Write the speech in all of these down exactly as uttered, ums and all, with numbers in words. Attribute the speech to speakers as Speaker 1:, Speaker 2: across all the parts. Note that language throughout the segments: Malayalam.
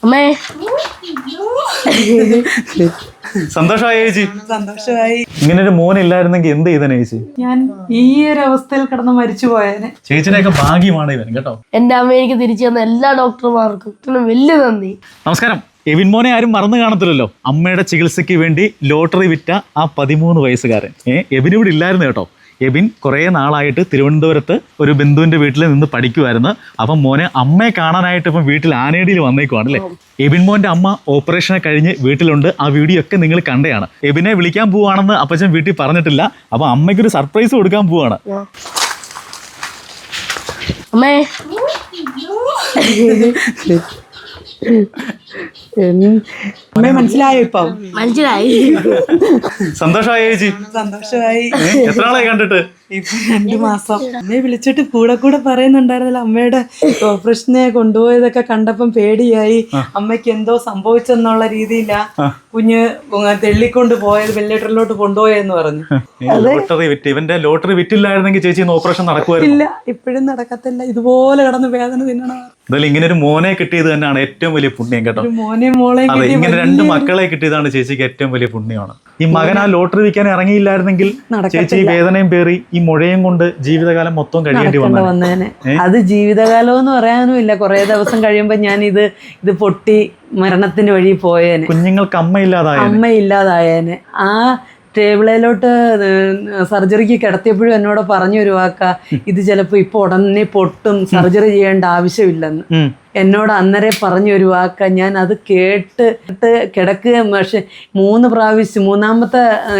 Speaker 1: അമ്മേ
Speaker 2: സന്തോഷമായി ചേച്ചി?
Speaker 3: സന്തോഷമായി.
Speaker 2: ഇങ്ങനെ ഒരു മോൻ ഇല്ലായിരുന്നെങ്കിൽ എന്ത് ചെയ്തേനെ ചേച്ചി?
Speaker 3: ഞാൻ ഈ ഒരു അവസ്ഥയിൽ കിടന്ന് മരിച്ചു പോയേനെ.
Speaker 2: ചേച്ചിനെയൊക്കെ ഭാഗ്യമാണ് ഇവൻ കേട്ടോ.
Speaker 1: എന്റെ അമ്മ എനിക്ക് തിരിച്ചു തന്ന എല്ലാ ഡോക്ടർമാർക്കും വലിയ നന്ദി.
Speaker 2: നമസ്കാരം. എബിൻ മോനെ ആരും മറന്നു കാണത്തില്ലല്ലോ. അമ്മയുടെ ചികിത്സയ്ക്ക് വേണ്ടി ലോട്ടറി വിറ്റ ആ പതിമൂന്ന് വയസ്സുകാരൻ. ഏഹ് എബിൻ ഇവിടെ ഇല്ലായിരുന്നു കേട്ടോ. എബിൻ കുറേ നാളായിട്ട് തിരുവനന്തപുരത്ത് ഒരു ബന്ധുവിൻ്റെ വീട്ടിൽ നിന്ന് പഠിക്കുമായിരുന്നു. അപ്പം മോനെ അമ്മയെ കാണാനായിട്ട് ഇപ്പം വീട്ടിൽ ആനേടിയിൽ വന്നേക്കുവാണ് അല്ലേ. എബിൻ മോൻ്റെ അമ്മ ഓപ്പറേഷനെ കഴിഞ്ഞ് വീട്ടിലുണ്ട്. ആ വീഡിയോ ഒക്കെ നിങ്ങൾ കണ്ടതാണ്. എബിനെ വിളിക്കാൻ പോവാണെന്ന് അപ്പച്ചൻ വീട്ടിൽ പറഞ്ഞിട്ടില്ല. അപ്പം അമ്മയ്ക്കൊരു സർപ്രൈസ് കൊടുക്കാൻ പോവാണ്.
Speaker 1: അമ്മേ
Speaker 3: അമ്മയെ മനസ്സിലായോ? ഇപ്പം
Speaker 1: മനസ്സിലായി.
Speaker 2: സന്തോഷമായി ചേച്ചി?
Speaker 3: സന്തോഷമായി.
Speaker 2: എത്ര നാളായി കണ്ടിട്ട്?
Speaker 3: ഇപ്പൊ രണ്ടു മാസം. അമ്മയെ വിളിച്ചിട്ട് കൂടെ കൂടെ പറയുന്നുണ്ടായിരുന്നില്ല. അമ്മയുടെ ഓപ്പറേഷനെ കൊണ്ടുപോയതൊക്കെ കണ്ടപ്പം പേടിയായി. അമ്മയ്ക്ക് എന്തോ സംഭവിച്ചെന്നുള്ള രീതിയിലാ കുഞ്ഞ് തെള്ളിക്കൊണ്ട് പോയത്, വെല്ലേറ്ററിലോട്ട് കൊണ്ടുപോയെന്ന് പറഞ്ഞു.
Speaker 2: ലോട്ടറി വിറ്റ് ഇവന്റെ ലോട്ടറി വിറ്റില്ലായിരുന്നെങ്കിൽ ചേച്ചി ഓപ്പറേഷൻ നടക്കുമായിരുന്നു.
Speaker 3: ഇല്ല, ഇപ്പോഴും നടക്കത്തില്ല. ഇതുപോലെ കിടന്ന് വേദന തിന്നണം.
Speaker 2: എന്തായാലും ഇങ്ങനെ ഒരു മോനെ കിട്ടിയത് തന്നെയാണ് ഏറ്റവും വലിയ പുണ്യം കേട്ടോ.
Speaker 3: മോനെ മോളെ
Speaker 2: അതെ, ഇങ്ങനെ രണ്ട് മക്കളെ കിട്ടിയതാണ് ചേച്ചിക്ക് ഏറ്റവും വലിയ പുണ്യമാണ്. ഈ മകൻ ആ ലോട്ടറി വിൽക്കാൻ ഇറങ്ങിയില്ലായിരുന്നെങ്കിൽ ചേച്ചി ഈ വേദനയും പേറി ഈ മുഴയും കൊണ്ട് ജീവിതകാലം മൊത്തം കഴിയേണ്ടി
Speaker 3: വന്നേനെ. അത് ജീവിതകാലം എന്ന് പറയാനും ഇല്ല. കുറെ ദിവസം കഴിയുമ്പോ ഞാൻ ഇത് ഇത് പൊട്ടി മരണത്തിന്റെ വഴി പോയേനെ.
Speaker 2: കുഞ്ഞുങ്ങൾക്ക് അമ്മയില്ലാതായ
Speaker 3: അമ്മയില്ലാതായേനെ. ആ ടേബിളിലോട്ട് സർജറിക്ക് കിടത്തിയപ്പോഴും എന്നോട് പറഞ്ഞു ഒരു വാക്ക, ഇത് ചിലപ്പോൾ ഇപ്പോൾ ഉടനെ പൊട്ടും, സർജറി ചെയ്യേണ്ട ആവശ്യമില്ലെന്ന് എന്നോട് അന്നേരെ പറഞ്ഞു ഒരു വാക്ക. ഞാൻ അത് കേട്ട് കിടക്കുക. പക്ഷെ മൂന്ന് പ്രാവശ്യം മൂന്നാമത്തെ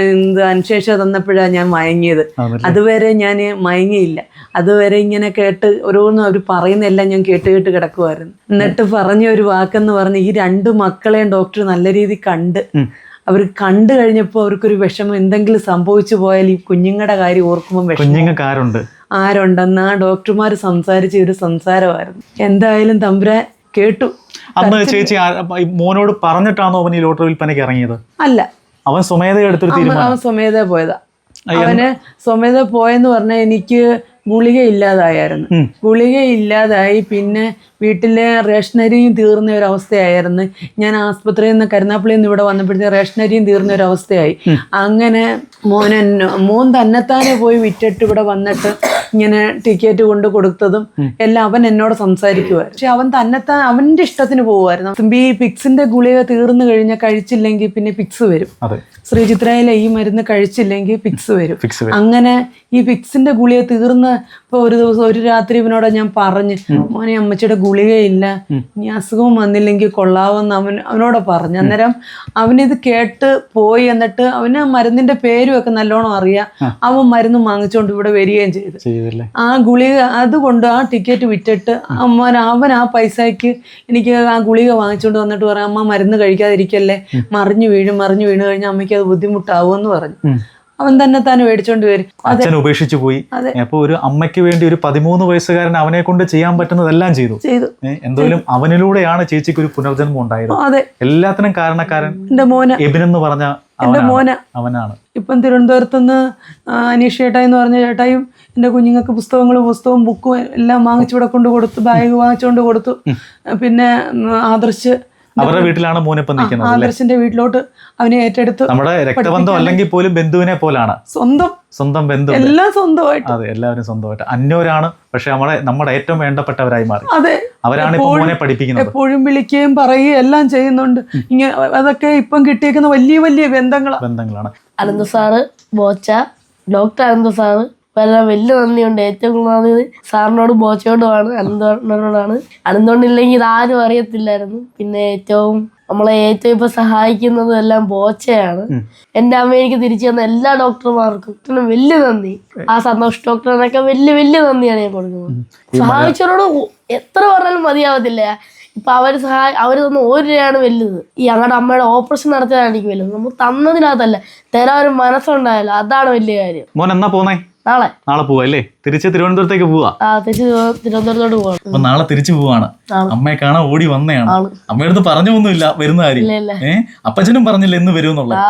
Speaker 3: അനുശേഷം തന്നപ്പോഴാണ് ഞാൻ മയങ്ങിയത്. അതുവരെ ഞാൻ മയങ്ങിയില്ല. അതുവരെ ഇങ്ങനെ കേട്ട് ഓരോന്നും അവർ പറയുന്നതെല്ലാം ഞാൻ കേട്ട് കേട്ട് കിടക്കുമായിരുന്നു. എന്നിട്ട് പറഞ്ഞ ഒരു വാക്കെന്ന് പറഞ്ഞ് ഈ രണ്ട് മക്കളെയും ഡോക്ടർ നല്ല രീതിയിൽ കണ്ട് അവർ കണ്ടു കഴിഞ്ഞപ്പോൾ അവർക്കൊരു വിഷമം, എന്തെങ്കിലും സംഭവിച്ചു പോയാൽ ഈ കുഞ്ഞുങ്ങളുടെ കാര്യം ഓർക്കുമ്പോൾ
Speaker 2: വിഷമം
Speaker 3: ആരുണ്ടെന്ന് ആ ഡോക്ടർമാർ സംസാരിച്ച ഒരു സംസാരമായിരുന്നു. എന്തായാലും തമ്പുരാൻ കേട്ടു.
Speaker 2: അന്ന് ചേച്ചി മോനോട് പറഞ്ഞിട്ടാണോ അവൻ ഈ ലോട്ടറി വിൽപ്പനയ്ക്ക് ഇറങ്ങിയത്?
Speaker 3: അല്ല,
Speaker 2: അവൻ സ്വമേധ എടുത്തൊരു തീരുമാനം.
Speaker 3: അവൻ സ്വമേധ പോയതാ. അവന് സ്വമേധ പോയെന്ന് പറഞ്ഞാൽ എനിക്ക് ഗുളിക ഇല്ലാതായിരുന്നു. ഗുളിക ഇല്ലാതായി. പിന്നെ വീട്ടിലെ റേഷനരിയും തീർന്ന ഒരവസ്ഥയായിരുന്നു. ഞാൻ ആസ്പത്രിയിൽ നിന്ന് കരുനാപ്പള്ളിയിൽ നിന്ന് ഇവിടെ വന്നപ്പോഴത്തെ റേഷനരിയും തീർന്ന ഒരവസ്ഥയായി. അങ്ങനെ മോനെ മോൻ തന്നെത്താനെ പോയി വിറ്റിട്ട് ഇവിടെ വന്നിട്ട് ഇങ്ങനെ ടിക്കറ്റ് കൊണ്ട് കൊടുത്തതും എല്ലാം അവൻ എന്നോട് സംസാരിക്കുമായിരുന്നു. പക്ഷെ അവൻ തന്നെത്താൻ അവൻ്റെ ഇഷ്ടത്തിന് പോകുമായിരുന്നു. ഈ പിക്സിന്റെ ഗുളിക തീർന്നു കഴിഞ്ഞാൽ കഴിച്ചില്ലെങ്കിൽ പിന്നെ പിക്സ് വരും. ശ്രീചിത്രയിലെ ഈ മരുന്ന് കഴിച്ചില്ലെങ്കിൽ പിക്സ് വരും. അങ്ങനെ ഈ പിക്സിന്റെ ഗുളിക തീർന്ന് ഇപ്പൊ ഒരു ദിവസം ഒരു രാത്രി ഇവനോട് ഞാൻ പറഞ്ഞു, മോനെ അമ്മച്ചിയുടെ ഗുളികയില്ല, ഇനി അസുഖം വന്നില്ലെങ്കിൽ കൊള്ളാവെന്ന് അവൻ അവനോട് പറഞ്ഞു. അന്നേരം അവനിത് കേട്ട് പോയി. എന്നിട്ട് അവന് മരുന്നിന്റെ പേരും ഒക്കെ നല്ലോണം അറിയാം. അവൻ മരുന്ന് വാങ്ങിച്ചുകൊണ്ട് ഇവിടെ വരികയും ചെയ്തു. ആ ഗുളിക അതുകൊണ്ട് ആ ടിക്കറ്റ് വിറ്റിട്ട് അമ്മ അവൻ ആ പൈസക്ക് എനിക്ക് ആ ഗുളിക വാങ്ങിച്ചുകൊണ്ട് വന്നിട്ട് പറയാം, അമ്മ മരുന്ന് കഴിക്കാതിരിക്കല്ലേ, മറിഞ്ഞു വീഴും, മറിഞ്ഞു വീണ് കഴിഞ്ഞാൽ അമ്മയ്ക്ക് അത് ബുദ്ധിമുട്ടാവുമെന്ന് പറഞ്ഞു. അവൻ തന്നെ താൻ മേടിച്ചോണ്ട് വരും.
Speaker 2: അച്ഛൻ ഉപേക്ഷിച്ചു പോയി. അപ്പൊ ഒരു അമ്മയ്ക്ക് വേണ്ടി ഒരു പതിമൂന്ന് വയസ്സുകാരൻ അവനെ കൊണ്ട് ചെയ്യാൻ പറ്റുന്നതെല്ലാം ചെയ്തു ചെയ്തു എന്തായാലും അവനിലൂടെയാണ് ചേച്ചിക്ക് ഒരു പുനർജന്മം ഉണ്ടായത്.
Speaker 3: അതെ,
Speaker 2: എല്ലാത്തിനും കാരണക്കാരൻ
Speaker 3: എന്റെ മോന്
Speaker 2: എബിൻ എന്ന് പറഞ്ഞ
Speaker 3: എന്റെ മോന്
Speaker 2: അവനാണ്.
Speaker 3: ഇപ്പം തിരുവനന്തപുരത്ത് നിന്ന് അനീഷ് ചേട്ടായി എന്ന് പറഞ്ഞ ചേട്ടായും എന്റെ കുഞ്ഞുങ്ങൾക്ക് പുസ്തകങ്ങളും പുസ്തകവും ബുക്കും എല്ലാം വാങ്ങിച്ചുവിടെ കൊണ്ട് കൊടുത്തു. ബാഗ് വാങ്ങിച്ചുകൊണ്ട് കൊടുത്തു. പിന്നെ ആദർശ്
Speaker 2: അവരുടെ വീട്ടിലാണ് മോനിപ്പം നിൽക്കുന്നത്.
Speaker 3: ആദർശിന്റെ വീട്ടിലോട്ട് അവനെ ഏറ്റെടുത്തു.
Speaker 2: നമ്മുടെ രക്തബന്ധം അല്ലെങ്കിൽ പോലും ബന്ധുവിനെ പോലാണ്.
Speaker 3: സ്വന്തം
Speaker 2: സ്വന്തം ബന്ധു, എല്ലാം സ്വന്തമായിട്ട്. അതെ, എല്ലാവരും സ്വന്തമായിട്ട്. അന്യോരാണ്, പക്ഷെ നമ്മളെ നമ്മുടെ ഏറ്റവും വേണ്ടപ്പെട്ടവരായി മാറി.
Speaker 3: അതെ,
Speaker 2: അവരാണ് ഇപ്പൊ മോനെ പഠിപ്പിക്കുന്നത്.
Speaker 3: എപ്പോഴും വിളിക്കുകയും പറയുകയും എല്ലാം ചെയ്യുന്നുണ്ട്. ഇങ്ങനെ അതൊക്കെ ഇപ്പം കിട്ടിയേക്കുന്ന വലിയ വലിയ ബന്ധങ്ങളാണ്
Speaker 2: ബന്ധങ്ങളാണ്
Speaker 1: Anantha sir, Bocha, doctor Anantha sir, എല്ലാം വലിയ നന്ദിയുണ്ട്. ഏറ്റവും നന്ദി സാറിനോട് ബോച്ചയോടുമാണ്, അനന്തോടിനോടാണ്. അനന്തോണ്ടില്ലെങ്കിൽ ഇതാരും അറിയത്തില്ലായിരുന്നു. പിന്നെ ഏറ്റവും നമ്മളെ ഏറ്റവും ഇപ്പൊ സഹായിക്കുന്നതും എല്ലാം ബോച്ചയാണ്. എന്റെ അമ്മ എനിക്ക് തിരിച്ചു തന്ന എല്ലാ ഡോക്ടർമാർക്കും വലിയ നന്ദി. ആ സന്തോഷ് ഡോക്ടറിനൊക്കെ വലിയ വലിയ നന്ദിയാണ് ഞാൻ കൊടുക്കുന്നത്. സഹായിച്ചവരോട് എത്ര പറഞ്ഞാലും മതിയാവത്തില്ല. ഇപ്പൊ അവര് സഹായ അവര് തന്ന ഒരു രൂപയാണ് വലുത്. ഈ ഞങ്ങളുടെ അമ്മയുടെ ഓപ്പറേഷൻ നടത്തിയതാണ് എനിക്ക് വലുത്. നമുക്ക് തന്നതിനകത്തല്ല, തരാൻ ഒരു മനസ്സുണ്ടായല്ലോ, അതാണ് വലിയ കാര്യം.
Speaker 2: മോൻ എന്നാ പോന്നേ?
Speaker 1: നാളെ
Speaker 2: നാളെ പോവാ അല്ലേ? തിരിച്ച് തിരുവനന്തപുരത്തേക്ക് പോവാ?
Speaker 1: ആ, തിരിച്ച് തിരുവനന്തപുരത്തോട്ട് പോവാ.
Speaker 2: അപ്പൊ നാളെ തിരിച്ചു പോവാണ്. അമ്മയെ കാണാൻ ഓടി വന്നതാണ്. അമ്മയടുത്ത് പറഞ്ഞൊന്നുമില്ല വരുന്ന കാര്യം. ഏഹ് അപ്പച്ചനും പറഞ്ഞില്ല എന്ന് വരുമെന്നുള്ള.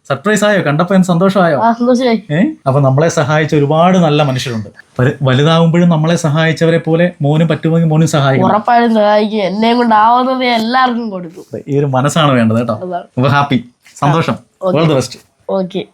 Speaker 2: സർപ്രൈസ് ആയോ? കണ്ടപ്പോ എന്ത് സന്തോഷമായോ?
Speaker 1: ആ സന്തോഷമായി.
Speaker 2: ഏഹ് അപ്പൊ നമ്മളെ സഹായിച്ച ഒരുപാട് നല്ല മനുഷ്യരുണ്ട്. വലു- വലുതാവുമ്പോഴും നമ്മളെ സഹായിച്ചവരെ പോലെ മോനും പറ്റുമെങ്കിൽ മോനും സഹായിക്കണം.
Speaker 1: ഉറപ്പായും സഹായിക്കും. എന്നെയും കൊണ്ട് ആവുന്നത് എല്ലാവർക്കും കൊടുക്കും.
Speaker 2: ഈ ഒരു മനസ്സാണ് വേണ്ടത് കേട്ടോ.
Speaker 1: അതാണ്.
Speaker 2: അപ്പൊ ഹാപ്പി, സന്തോഷം, ഓൾ ദി ബെസ്റ്റ്.
Speaker 1: ഓക്കെ.